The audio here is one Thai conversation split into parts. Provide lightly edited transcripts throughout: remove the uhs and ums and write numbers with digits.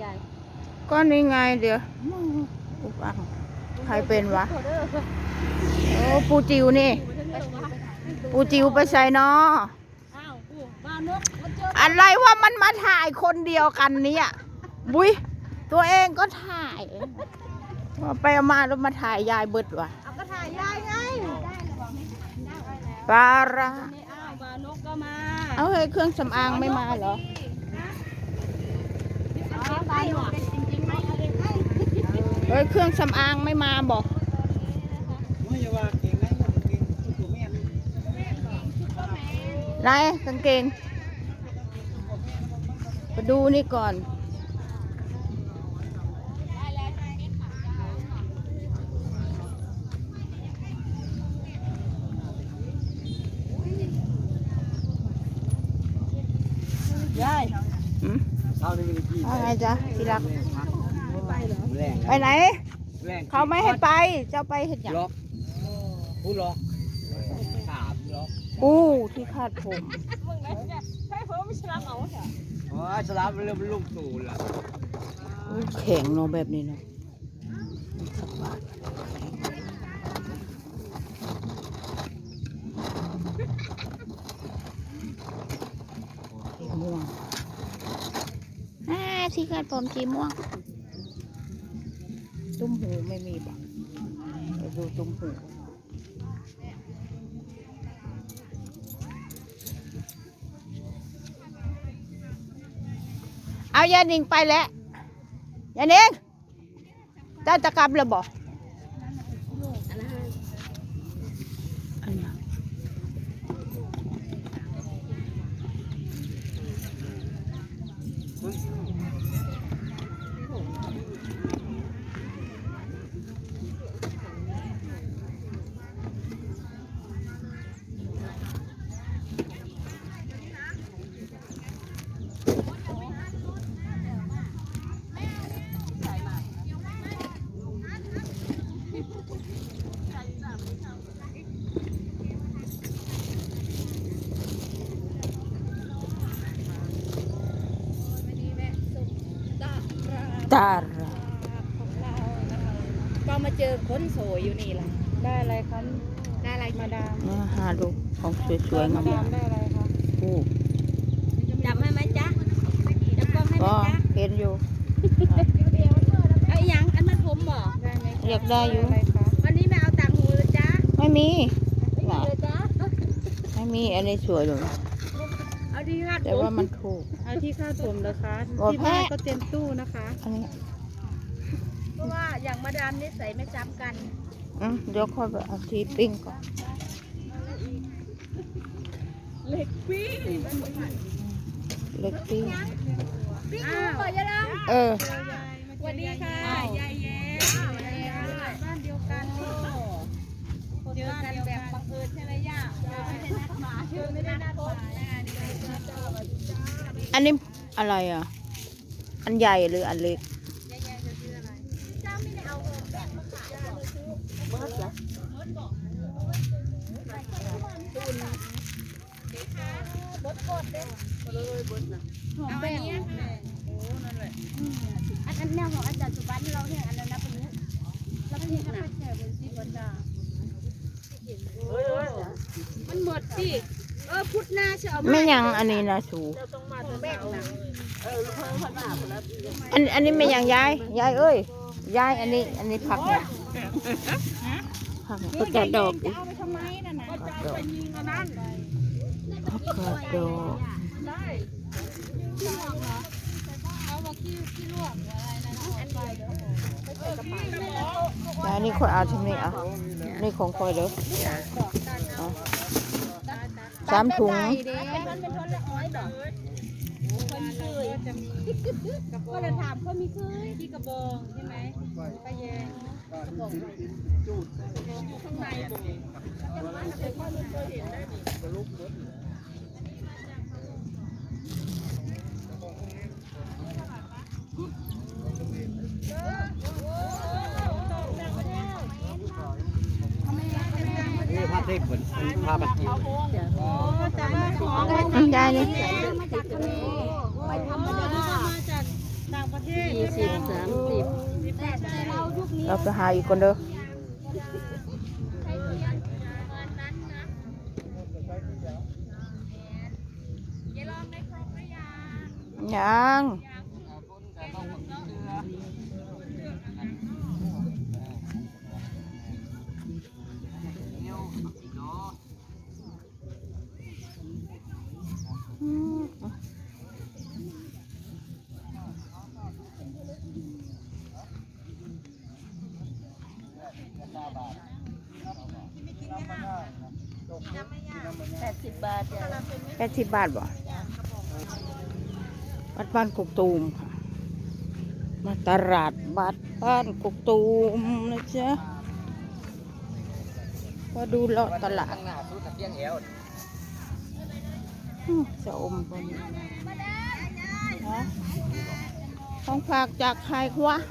ายก็นี่ไงเดี๋ยวอุปังใครเป็นวะโอ้ปูจิวนี่ปูจิวไปใส่เนาะอะไรว่ามันมาถ่ายคนเดียวกันเนี่ยบุ้ยตัวเองก็ถ่ายไปเอามาแล้วมาถ่ายยายเบิดวะเอาก็ถ่ายยายไงปลาร้าปลานกก็มาเอาเฮ้ยเครื่องสำอางไม่มาเหรอปลาหนวดจริงๆไหมเฮ้ยเครื่องสำอางไม่มาบอกไรกางเกงไปดูนี่ก่อนยายอะไรจ๊ะที่รักไปไหนเขาไม่ให้ไปเจ้าไปเห็นอย่างผู้ล็อกถามล็อกอู้ที่คาดผมให้เพิ่มไม่ฉลามเอาเหรออ๋อฉลามมันเริ่มลุ่มตูนละแข็งเนาะแบบนี้เนาะสักบาทสีม่วงที่คาดผมสีม่วงตุ้มหูไม่มีบ่ไปดูตุ้มหูเอายานิงไปแล้วยานิงเจ้าจะกลับแล้วบอกตาก็มาเจอคนสวยอยู่นี่แหละได้อะไรครับได้อะไรมาดามหาดูของสวยๆงามๆได้อะไรคะผู้จับให้ไหมจ๊ะจับกล้องให้ไหมจ๊ะเห็นอยู่ไอ้ยังอันนั้นผมบอกอยากได้อยู่วันนี้ไม่เอาต่างหูเลยจ๊ะไม่มีเลยจ๊ะไม่มีอันนี้สวยเลยเอาที่คาดผมแต่ว่ามันถูกเอาที่คาดผมเหรอคะที่บ้านก็เต็มตู้นะคะอันนี้เพราะว่าอย่างมาดามนี่ใส่ไม่ซ้ำกันเดี๋ยวค่อยไปเอาทีปิ้งก่อนเล็กปิ้งเล็กปิ้งปิ้งหมูก่อนยายดำสวัสดีค่ะยายแย้บ้านเดียวกันเจอกันแบบบังเอิญใช่ไหมย่าไม่ได้นัดหมายไม่ได้นัดหมายอันนี้อะไรอ่ะอันใหญ่หรืออันเล็กหอมแป้งอันแนวของอาจารย์สุบันเราเนี่ยอันนั้นนะเป็นนี้แล้วเป็นนี้ขนาดแค่เป็นซีบดามันหมดสิพุทธหน้าเชื่อไม่ยังอันนี้นะสูอันนี้ไม่ยังยายเอ้ยยายอันนี้ผักเนี่ยผักก็จะดอกจะเอาไปทำไมน่ะนะก็จะไปยิงอันนั้นผักกาดดอกนี่ค่อยเอาที่นี่อ่ะนี่ของค่อยเด้อ3 ถุงก็เลยถามเขามีเคยที่กระบองใช่ไหมป้าแยงกระบองอยู่ข้างในผ้าเทคเหมือนผ้าบัตรคิวแต่ว่าของได้เลยมาจากทะเลไปทำมาจากต่างประเทศ 20 30 แต่เรายุคนี้เราไปหาอีกคนเด้อ ยัง 80 บาทจ้ะ 80 บาทบ่วัดบ้านกกตูมค่ะมาตลาดบัดบ้านกกตูมนะจ๊ะมาดูเลาะตลาดข้างหน้าสุดตะเกียงแอวจะอมบนของฝากจากใครวะ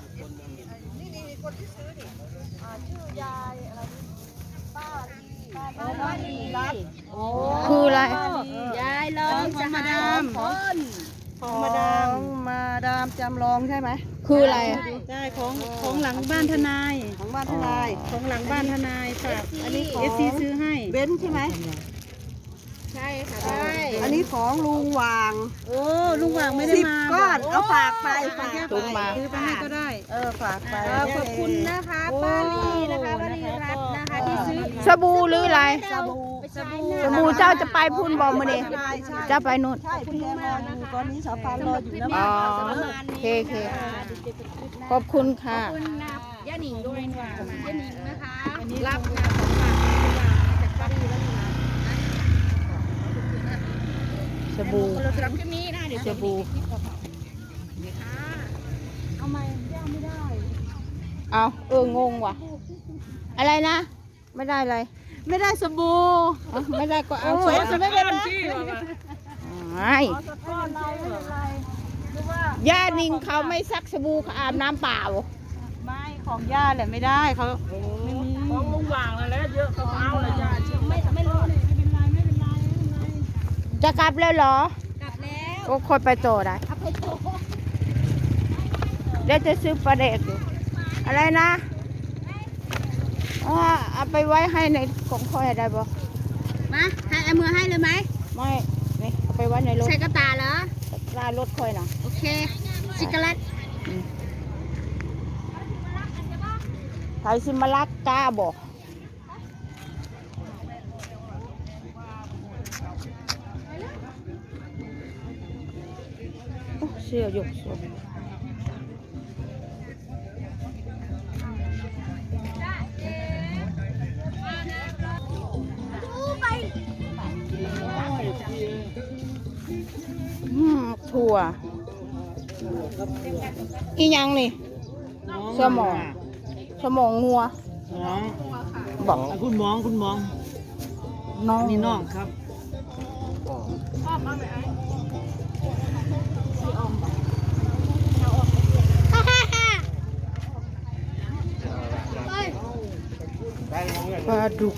ป้าดีรัดคืออะไรยายลองจะหาคนของมาดามจำลองใช่ไหมคืออะไรอะใช่ของหลังบ้านทนายของบ้านทนายของหลังบ้านทนายฝากอันนี้ของ FC ซื้อให้เบนใช่ไหมใช่ค่ะได้อันนี้ของลุงวางโอ้ลุงวางไม่ได้มา10 ก้อนเอาฝากไปฝากตุ้มมาซื้อไปให้ก็ได้ฝากไปขอบคุณนะคะป้าลีนะคะป้าลีรัตน์นะคะที่ซื้อสบู่หรืออะไรสบู่สบู่สบู่เจ้าจะไปพุ่นบอมือนี่ใช่เจ้าไปนู่นใช่พี่แอมรออยู่ตอนนี้สาวปานรออยู่แล้วอ๋อโอเคขอบคุณค่ะคุณนะย่าหนิงด้วยนะย่าหนิงนะคะรับงานของฝากจากป้าลีแล้วนะสบู่เราจะรับแค่นี้นะเดี๋ยวสบู่เอามาย่าไม่ได้เอางงว่ะ อะไรนะ ไม่ได้อะไรไม่ได้สบู่เอาไม่ได้ก็เอาโอ้ยจะไม่เป็นไรไม่ก้อนอะไรไม่เป็นไรหรือว่าย่านิงเขาไม่ซักสบู่เขาอาบน้ำเปล่าไม่ของย่าแหละไม่ได้เขาไม่มีของลุงวางแล้วเยอะเขาเอาเลยย่าไม่รู้เลยไม่เป็นไรไม่เป็นไรจะกลับแล้วเหรอกลับแล้วก็ค่อยไปโตได้เอาไปโตเดี๋ยวจะซื้อปลาเด็กอยู่อะไรนะเอาไปไว้ให้ในของค่อยได้บ่มาให้เอามือให้เลยไหมไม่นี่เอาไปไว้ในรถใส่กระตาเหรอลารถค่อยนะโอเคซิกาเลตไทยซิมาลักกาบอกเสื้อยกสูงถั่วอีหยังนี่สมองงัวน้องบอกคุณมองคุณมองน้องนี่น้องครับปลาดุก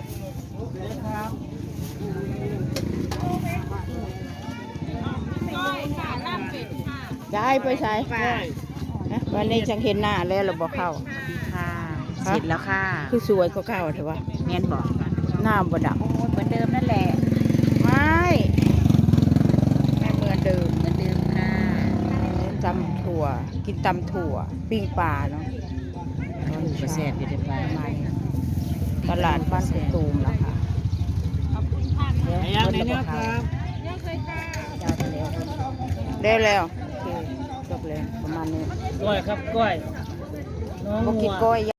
ย้ายไปใช้วันนี้ฉันเห็นหน้าแล้วเราบอกเข้าค่ะเสร็จแล้วค่ะคือสวยก็เก่าเถอะวะแม่นบอกหน้าบดักเหมือนเดิมนั่นแหละไม่เหมือนเดิมเหมือนเดิมค่ะตำถั่ว กินตำถั่ว ปิ้งปลาเนาะกระแสบอยู่ในปลาตลาดบ้านกุตูมนะคะไอ้ยังในเนี้ยครับได้แล้วโอเคจบเลยประมาณนี้ก้อยครับก้อยน้องบ่งักินวก้อย